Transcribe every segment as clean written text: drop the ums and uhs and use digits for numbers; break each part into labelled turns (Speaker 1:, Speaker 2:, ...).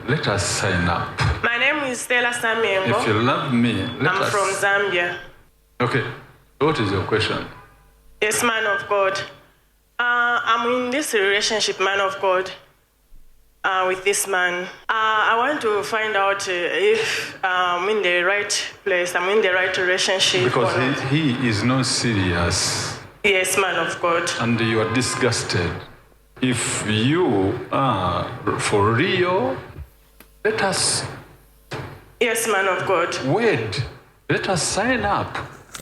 Speaker 1: let us sign up.
Speaker 2: My name is Stella Samengo.
Speaker 1: If you love me,
Speaker 2: I'm from Zambia.
Speaker 1: Okay, what is your question?
Speaker 2: Yes, man of God. I'm in this relationship, man of God, with this man. I want to find out if I'm in the right place, I'm in the right relationship.
Speaker 1: Because
Speaker 2: or not.
Speaker 1: he is not serious
Speaker 2: Yes, man of God.
Speaker 1: and you are disgusted. If you are for real, let us
Speaker 2: Yes, man of God.
Speaker 1: wed. Let us sign up.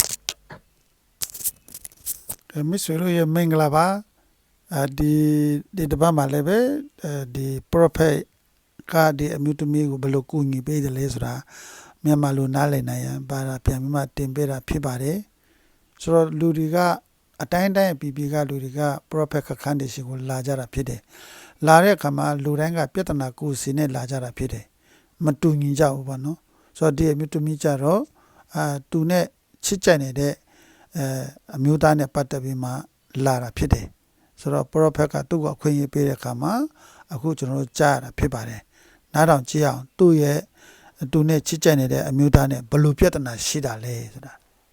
Speaker 3: မစ်ဆွေတို့ရဲ့မင်္ဂလာပါဒီတပတ်မှာလည်းပဲဒီ prophet ကဒီအမျိုးသမီးကိုဘယ်လိုကူညီပေးတယ်လဲဆိုတာမြန်မာလိုနားလည်နိုင်ရင်ပါတာပြန်ပြီးမှတင်ပေးတာဖြစ်ပါတယ်ဆိုတော့လူတွေကအတိုင်းအပြည်ပြည်ကလူတွေက prophet ခန်းတွေရှိကိုလာကြတာဖြစ်တယ်လာတဲ့အခါမှာလူတိုင်းကပြဿနာကိုယ်စီနဲ့လာကြတာဖြစ်တယ်မတူညီကြဘူးပေါ့နော်ဆိုတော့ဒီအမျိုးသမီးကြတော့သူနဲ့ချစ်ကြိုက်နေတဲ့အမျိုးသားနဲ့ပတ်သက်ပြီးမှလာတာဖြစ်တယ်ဆိုတော့ prophet ကသူ့ကိုအခွင့်အရေးပေးတဲ့အခါမှာအခုကျွန်တော်တို့ကြားရတာဖြစ်ပါတယ်နားထောင်ကြည့်အောင်သူ့ရဲ့သူနဲ့ချစ်ကြိုက်နေတဲ့အမျိုးသားနဲ့ဘယ်လိုပြဿနာရှိတာလဲဆိုတာ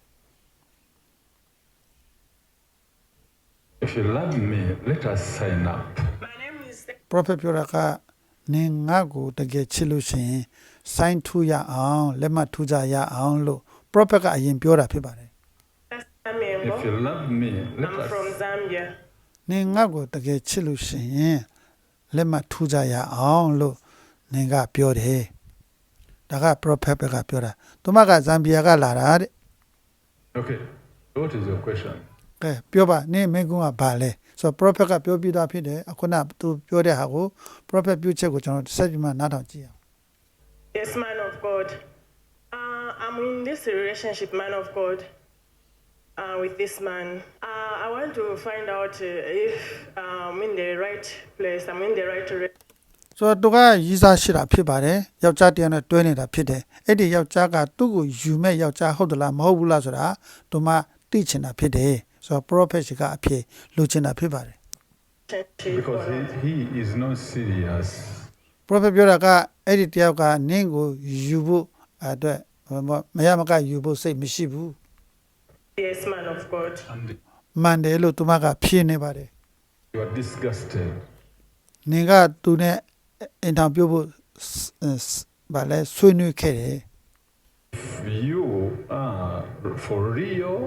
Speaker 1: If you love me, let us sign up.
Speaker 2: My name is
Speaker 3: prophet ပြောတာကနင်ငါ့ကိုတကယ်ချစ်လို့ရှိရင် sign ထူရအောင်လက်မှတ်ထူကြရအောင်လို့ prophet ကအရင်ပြောတာဖြစ်ပါတယ်
Speaker 2: Samengo.
Speaker 1: If you love me, let
Speaker 2: I'm
Speaker 1: us
Speaker 2: from Zambia.
Speaker 3: နင်ငါ့ကိုတကယ်ချစ်လို့ရှိရင်လက်မှတ်ထူကြရအောင်လို့နင်ကပြောတယ်ဒါက prophet ကပြောတာသူမကဇမ်ဘီယာကလာတာတဲ့
Speaker 1: Okay, what is your question?
Speaker 3: ကဲပြောပါနင်မင်းကုန်းကဘာလဲဆိုတော့ prophet ကပြောပြတာဖြစ်တယ်အခုနသူပြောတဲ့ဟာကို prophet ပြုချက်ကိုကျွန်တော်ဆက်ပြီးမှနားထောင်ကြည့်အောင်
Speaker 2: Yes, man of God. I'm in this relationship, man of God, with this man. I want to find out if I'm in the right place, I'm in the right relationship.
Speaker 3: ဆိုတော့သူကရည်စားရှိတာဖြစ်ပါတယ်ယောက်ျားတယောက်နဲ့တွဲနေတာဖြစ်တယ်အဲ့ဒီယောက်ျားကသူ့ကိုယူမဲ့ယောက်ျားဟုတ်သလားမဟုတ်ဘူးလားဆိုတာသူမသိချင်တာဖြစ်တယ်ဆိုတော့ prophet ကအဖြစ်လိုချင်တာဖြစ်ပါတယ်
Speaker 1: Because he is not serious.
Speaker 3: prophet ပြောတာကအဲ့ဒီတယောက်ကနင်းကိုယူဖို့အတွက်မရမကယူဖို့စိတ်မရှိဘူး
Speaker 2: Yes, man of God.
Speaker 1: And
Speaker 3: မှန်တယ်လို့သူမကဖြေနေပါတယ်
Speaker 1: you are disgusted.
Speaker 3: နင်ကသူနဲ့အင်တာဗျူးဖို့ဗာလဲဆွေးနွေးခဲ့တယ်
Speaker 1: If you are for real,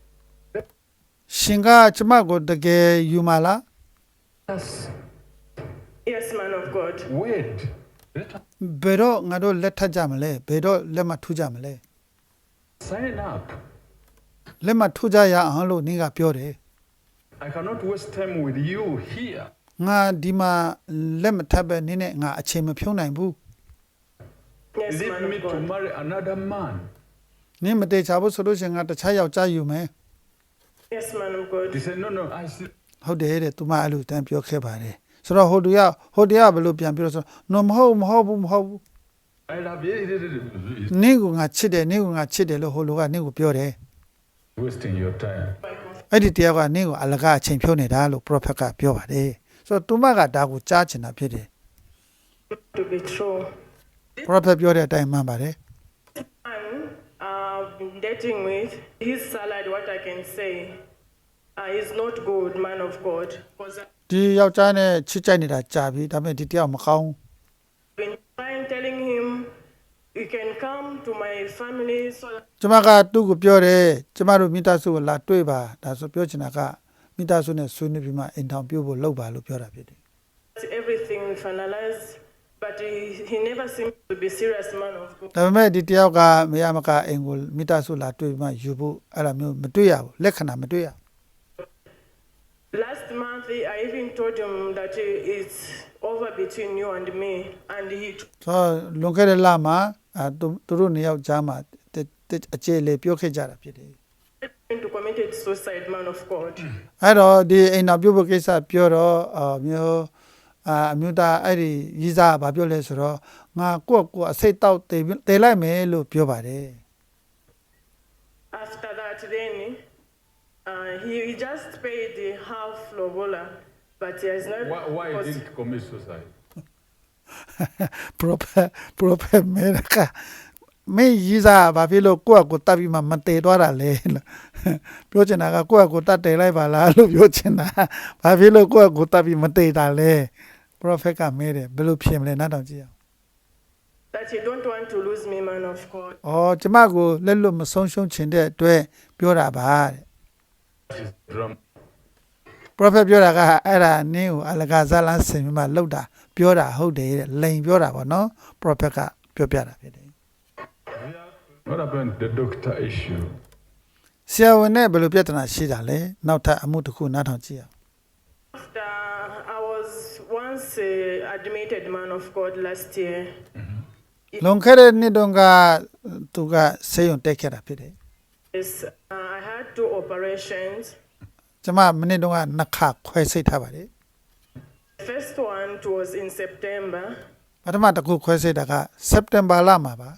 Speaker 3: ရှင်ကကျမကိုတကယ်ယူမလား
Speaker 1: let us
Speaker 2: Yes, man of God.
Speaker 1: wed. Let us
Speaker 3: ဘယ်တော့ငါတို့လက်ထပ်ကြမလဲဘယ်တော့လက်မထူးကြမလဲ
Speaker 1: sign up.
Speaker 3: လက်မထူးကြရအောင်လို့နင်ကပြောတယ်
Speaker 1: I cannot waste time with you here.
Speaker 3: ငါဒီမှာလက်မထပ်ပဲနင်းနဲ့ငါအချိန်မဖြုံးနိုင်ဘူး
Speaker 2: Yes,
Speaker 1: Leave
Speaker 2: man
Speaker 1: me
Speaker 2: of
Speaker 1: to
Speaker 2: God.
Speaker 1: marry another man.
Speaker 3: နင်းမတေချာဘူးဆိုလို့ရှင်ငါတခြားယောက်ျားယူမယ်
Speaker 2: Yes, man of God.
Speaker 1: He said, no, I see.
Speaker 3: ဟုတ်တယ်တဲ့သူမအဲ့လိုတန်းပြောခဲ့ပါတယ်ဆိုတော့ဟိုတရားဘယ်လိုပြန်ပြောဆိုတော့မဟုတ်ဘူး
Speaker 1: I love you.
Speaker 3: နင်းကငါချစ်တယ်လို့ဟိုလူကနင်းကိုပြောတယ်
Speaker 1: Wasting your time.
Speaker 3: အဲ့ဒီတရားကနင်းကိုအလကားအချိန်ဖြုံးနေတာလို့ prophet ကပြောပါတယ်ဆိုတော့သူမကဒါကိုကြားချင်တာဖြစ်တယ်
Speaker 2: To be true.
Speaker 3: prophet ပြောတဲ့အတိုင်းမှန်ပါတယ်
Speaker 2: Man I've been dating with, his salary, what I can say, is not good, man of God. Because I've
Speaker 3: ဒီယောက်ျားနဲ့ချစ်ကြိုက်နေတာကြာပြီဒါပေမဲ့ဒီတရားမကောင်း
Speaker 2: been trying telling him, you can come to my family so that
Speaker 3: ကျမကသူ့ကိုပြောတယ်ကျမတို့မိသားစုကိုလာတွေ့ပါဒါဆိုပြောချင်တာကမိသားစုနဲ့ဆွေးနွေးပြီးမှအိမ်ထောင်ပြုတ်ဖို့လုပ်ပါလို့ပြောတာဖြစ်တယ်
Speaker 2: everything we finalize, but he never seems to be serious, man of God.
Speaker 3: ဒါပေမဲ့ဒီတယောက်ကမရမကအိမ်ကိုမိသားစုလာတွေ့ပြီးမှယူဖို့အဲ့လိုမျိုးမတွေ့ရဘူးလက္ခဏာမတွေ့ရ
Speaker 2: Last month, I even told him that it's over between you and me, and he
Speaker 3: ဆိုတော့လွန်ခဲ့တဲ့လမှာသူတို့နှစ်ယောက်ကြားမှာအခြေလေပြောခဲ့ကြတာဖြစ်တယ်
Speaker 2: tried to commit suicide, man of God.
Speaker 3: အဲ့တော့ဒီအိမ်တော်ပြုတ်ဖို့ကိစ္စပြောတော့မျိုးအမျိုးသားအဲ့ဒီရီးစားကဘာပြောလဲဆိုတော့ငါကိုအစိတ်တောက်တေလိုက်မယ်လို့ပြောပါတယ်
Speaker 2: After that, then he just paid half lobola, but he has not.
Speaker 1: Why
Speaker 2: because
Speaker 1: didn't commit suicide?
Speaker 3: prophet မဲကမင်းကြီးစားဘာဖြစ်လို့ကိုယ့်အကိုတတ်ပြီးမှမတည်သွားတာလဲလို့ပြောချင်တာကကိုယ့်အကိုတတ်တယ်လိုက်ပါလားလို့ပြောချင်တာဘာဖြစ်လို့ကိုယ့်အကိုတတ်ပြီးမတည်တာလဲ prophet ကမဲတယ်ဘယ်လိုဖြစ်မလဲနားထောင်ကြည့်အောင်
Speaker 2: That you don't want to lose me, man of God.
Speaker 3: အော်ကျမကိုလက်လွတ်မဆုံးရှုံးချင်တဲ့အတွက်ပြောတာပါတဲ့
Speaker 1: Is drum.
Speaker 3: prophet ပြောတာကအဲ့ဒါနင်းကိုအလကားဇာလန်းဆင်ပြီးမှလှုပ်တာပြောတာဟုတ်တယ်တဲ့လိန်ပြောတာပေါ့နော် prophet ကပြောပြတာဖြစ်တယ်
Speaker 1: What about the doctor issue?
Speaker 3: ဆရာဝန်နဲ့ဘယ်လိုပြဿနာရှိတာလဲနောက်ထပ်အမှုတစ်ခုနားထောင်ကြည့်အောင်
Speaker 2: After I was once admitted, man of God, last year.
Speaker 3: လွန်ခဲ့တဲ့နှစ်တုန်းကသူကဆေးရုံတက်ခဲ့တာဖြစ်တယ်
Speaker 2: Yes, I had 2 operations.
Speaker 3: ကျမမနေ့တုန်းကနှစ်ခါခွဲစိတ်ထားပါတယ်
Speaker 2: The first one was in September.
Speaker 3: ပထမတစ်ခုခွဲစိတ်တာကစက်တင်ဘာလမှာပါ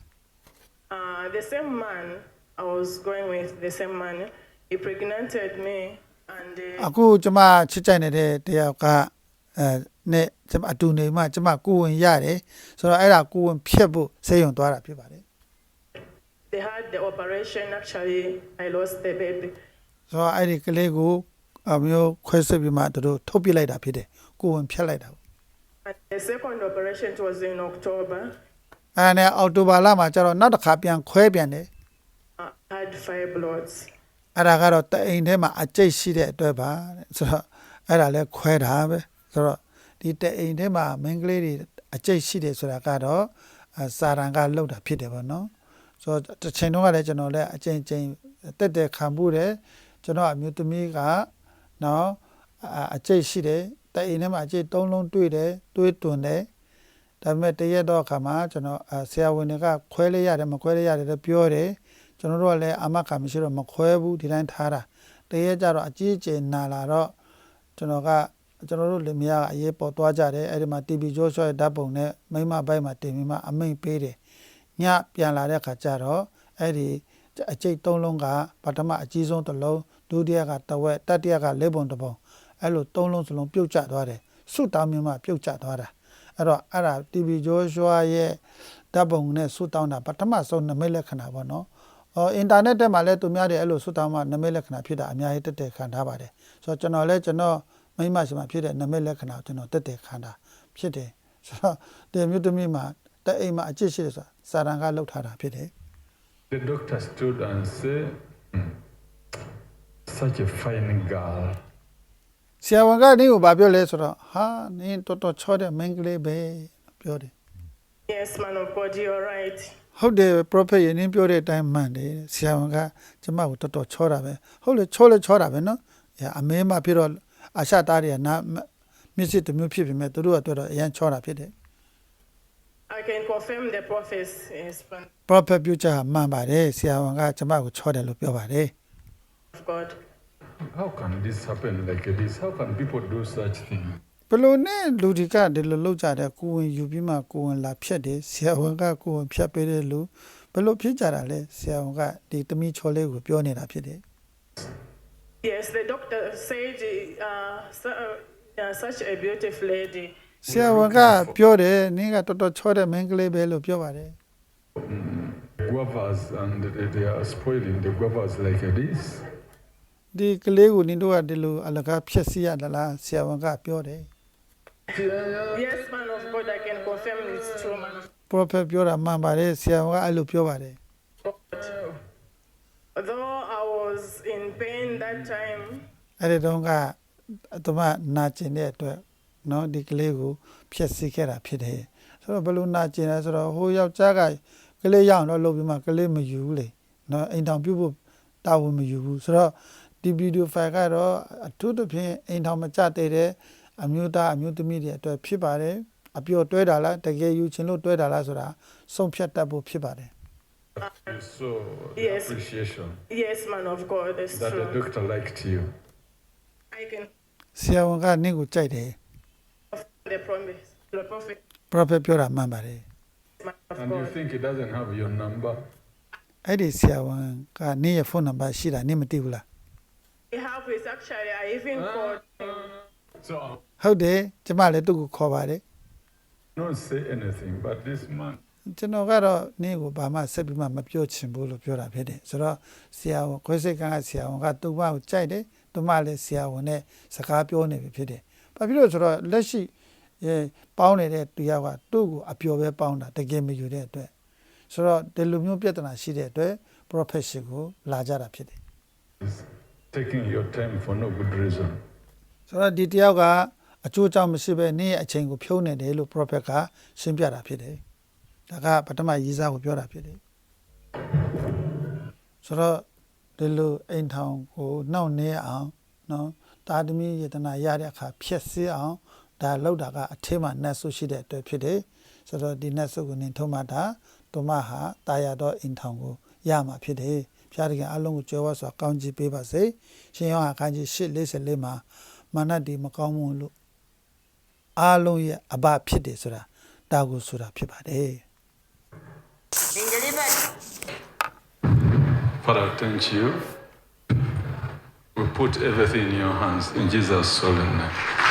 Speaker 2: The same man I was going with, the same man, he pregnanted me, and
Speaker 3: အခုကျမချစ်ကြိုက်နေတဲ့တယောက်ကနဲ့ကျမအတူနေမှကျမကိုဝင်ရတယ်ဆိုတော့အဲ့ဒါကိုဝင်ဖြတ်ဖို့ဆေးရုံသွားတာဖြစ်ပါတယ်
Speaker 2: they had the operation. Actually, I lost the baby.
Speaker 3: ဆိုတော့အဲ့ဒီကလေးကိုအမျိုးခွဲစိတ်ပြီးမှသူတို့ထုတ်ပြလိုက်တာဖြစ်တယ်ကိုဝင်ဖြတ်လိုက်တာ
Speaker 2: And the second operation was in October.
Speaker 3: အဲ့ဒါနဲ့အောက်တိုဘာလမှာကျတော့နောက်တစ်ခါပြန်ခွဲပြန်တယ်
Speaker 2: I had fibroids.
Speaker 3: အဲ့ဒါကတော့တအိမ်ထဲမှာအကျိတ်ရှိတဲ့အတွက်ပါတဲ့ဆိုတော့အဲ့ဒါလဲခွဲတာပဲဆိုတော့ဒီတအိမ်ထဲမှာမင်းကလေးတွေအကျိတ်ရှိတယ်ဆိုတာကတော့စာရန်ကလှုပ်တာဖြစ်တယ်ပေါ့နော်ဆိုတော့တစ်ချိန်တုန်းကလည်းကျွန်တော်လည်းအချိန်ချင်းတက်တက်ခံမှုတယ်ကျွန်တော်အမျိုးသမီးကနော်အကျိတ်ရှိတယ်တအိမ်ထဲမှာအကျိတ်3လုံးတွေ့တယ်တွေးတွန်တယ်ဒါပေမဲ့တရက်တော့အခါမှာကျွန်တော်ဆရာဝန်တွေကခွဲလိုက်ရတယ်မခွဲလိုက်ရတယ်လို့ပြောတယ်ကျွန်တော်တို့ကလည်းအမခါမရှိတော့မခွဲဘူးဒီတိုင်းထားတာတရက်ကျတော့အကြီးအကျယ်နာလာတော့ကျွန်တော်တို့လင်မယားကအရေးပေါ်သွားကြတယ်အဲ့ဒီမှာ TB ဂျိုးဆွဲဓာတ်ပုံနဲ့မိမဘိုက်မှာတင်ပြီးမှအမိန့်ပေးတယ်ညပြန်လာတဲ့အခါကျတော့အဲ့ဒီအကျိတ်3လုံးကပထမအကြီးဆုံးတစ်လုံးဒုတိယကတစ်ဝက်တတိယက4ပုံတစ်ပုံအဲ့လို3လုံးစလုံးပြုတ်ကျသွားတယ်ဆုတောင်းမြမှပြုတ်ကျသွားတာအဲ့တော့အဲ့ဒါ TB ဂျိုးဆွဲရဲ့ဓာတ်ပုံနဲ့ဆုတောင်းတာပထမဆုံးနမိတ်လက္ခဏာပေါ့နော်အင်တာနက်ထဲမှာလည်းသူများတွေအဲ့လိုဆုတောင်းမှနမိတ်လက္ခဏာဖြစ်တာအများကြီးတက်တက်ခံထားပါတယ်ဆိုတော့ကျွန်တော်မိမရှိမှဖြစ်တဲ့နမိတ်လက္ခဏာကျွန်တော်တက်တက်ခံတာဖြစ်တယ်ဆိုတော့ဒီမြို့သမီးမှာတအိမ်မှာအကျစ်ရှိတယ်ဆိုတာစာရန်ကလောက်ထားတာဖြစ်တယ်
Speaker 1: The doctor stood and said, such a fine girl.
Speaker 3: ဆရာဝန်ကနင်းကိုဘာပြောလဲဆိုတော့ဟာနင်းတော်တော်ချောတဲ့မင်းကလေးပဲပြောတယ်
Speaker 2: Yes, man of God, you're right.
Speaker 3: ဟုတ်တယ် prophet ယင်းပြောတဲ့အတိုင်းမှန်တယ်ဆရာဝန်ကကျမကိုတော်တော်ချောတာပဲဟုတ်လေချောတာပဲနော်အမေမှဖြစ်တော့အာရှသားတွေကနာမျက်စိတစ်မျိုးဖြစ်ပေမဲ့သူတို့ကတော့အရန်ချောတာဖြစ်တယ်
Speaker 2: I can confirm the prophets. Yes, man
Speaker 3: prophet ပြောချာမှန်ပါတယ်ဆရာဝန်ကကျမကိုချောတယ်လို့ပြောပါတယ်
Speaker 2: of God.
Speaker 1: How can this happen like this? How can people do such things?
Speaker 3: ဘလို့နဲ့လူတွေကဒီလိုလောက်ကြတဲ့ကိုဝင်ယူပြီးမှကိုဝင်လာဖြတ်တယ်ဆရာဝန်ကကိုဝင်ဖြတ်ပေးတဲ့လူဘလို့ဖြစ်ကြတာလဲဆရာဝန်ကဒီတမီချောလေးကိုပြောနေတာဖြစ်တယ်
Speaker 2: Yes, the doctor said such a beautiful lady.
Speaker 3: ဆရာဝန်ကပြောတယ်နင်းကတော်တော်ချောတဲ့မင်းကလေးပဲလို့ပြောပါတယ်
Speaker 1: Guavas and they are spoiling the guavas like this.
Speaker 3: ဒီကလေးကိုနင်တို့ကဒီလိုအလကားဖြက်စီရလားဆရာဝန်ကပြောတယ်
Speaker 2: Yes, man of God, I can confirm it's true, man of
Speaker 3: prophet ပြောတာမှန်ပါတယ်ဆရာဝန်ကအဲ့လိုပြောပါတယ်
Speaker 2: God. Though I was in pain that time,
Speaker 3: အဲ့ဒီတုန်းကသူမနာကျင်တဲ့အတွက်နော်ဒီကလေးကိုဖြက်စီခဲ့တာဖြစ်တယ်ဆိုတော့ဘယ်လိုနာကျင်လဲဆိုတော့ဟိုယောက်ျားကကလေးရအောင်တော့လုပ်ပြီးမှကလေးမယူဘူးလေနော်အိမ်ထောင်ပြုတ်ဖို့တာဝန်မယူဘူးဆိုတော့ဒီဗီဒီယိုဖိုင်ကတော့အထူးသဖြင့်အိမ်ထောင်မကျတဲ့အမျိုးသားအမျိုးသမီးတွေအတွက်ဖြစ်ပါတယ်အပျော်တွဲတာလားတကယ်ယူချင်လို့တွဲတာလားဆိုတာဆုံးဖြတ်တတ်ဖို့ဖြစ်ပါတယ်
Speaker 1: You saw the
Speaker 2: Yes.
Speaker 1: appreciation
Speaker 2: yes, man of God, it's
Speaker 1: that the
Speaker 2: true.
Speaker 1: doctor liked you.
Speaker 2: I can
Speaker 3: ဆရာဝန်ကနင့်ကိုကြိုက်တယ်
Speaker 2: confirm the promise, the prophet,
Speaker 3: prophet ပြောတာမှန်ပါတယ်
Speaker 2: man of
Speaker 1: And you
Speaker 2: God.
Speaker 1: think he doesn't have your number?
Speaker 3: အဲ့ဒီဆရာဝန်ကနင့်ရဲ့ဖုန်းနံပါတ်ရှိတာနင့်မသိဘူးလား
Speaker 2: He helped with actually, I even called him.
Speaker 1: So
Speaker 3: ဟုတ်တယ်ကျမလည်းသူ့ကိုခေါ်ပါတယ်
Speaker 1: Not say anything, but this man
Speaker 3: ကျွန်တော်ကတော့နင်းကိုဘာမှဆက်ပြီးမှမပြောချင်ဘူးလို့ပြောတာဖြစ်တယ်ဆိုတော့ဆရာဝန်ခွဲစိတ်ကန်းကဆရာဝန်ကသူ့မကိုကြိုက်တယ်သူမလည်းဆရာဝန်နဲ့စကားပြောနေပြီဖြစ်တယ်ဘာဖြစ်လို့ဆိုတော့လက်ရှိပေါင်းနေတဲ့သူယောက်ကသူ့ကိုအပျော်ပဲပေါင်းတာတကယ်မယူတဲ့အတွက်ဆိုတော့ဒီလိုမျိုးပြဿနာရှိတဲ့အတွက် profession ကိုလာကြတာဖြစ်တယ်
Speaker 1: is taking your time for no good reason.
Speaker 3: ဆိုတော့ဒီတယောက်ကအကျိုးကြောင့်မရှိပဲနင်းရဲ့အချိန်ကိုဖြုံးနေတယ်လို့ prophet ကရှင်းပြတာဖြစ်တယ်ဒါကပထမရေးစားကိုပြောတာဖြစ်တယ်ဆိုတော့ဒီလိုအိမ်ထောင်ကိုနှောင့်နှဲအောင်နော်တာသမီယေတနာရတဲ့အခါဖြည့်ဆည်းအောင်ဒါလောက်တာကအထင်းမှာနတ်ဆုရှိတဲ့အတွက်ဖြစ်တယ်ဆိုတော့ဒီနတ်ဆုကိုနင်ထုံးမှတာသူမဟာတာယာတော့အိမ်ထောင်ကိုရမှာဖြစ်တယ်ဖျားတကယ်အလုံးကိုကြွယ်ဝစွာကောင်းချီးပေးပါစေရှင်ယောဟန်ခန်းကြီး8:44မှာမာနဒီမကောင်းမှုလို့အားလုံးရဲ့အဘဖြစ်တယ်ဆိုတာဒါကိုဆိုတာဖြစ်ပါတယ်
Speaker 1: Father, thank you. We put everything in your hands in Jesus' solemn name.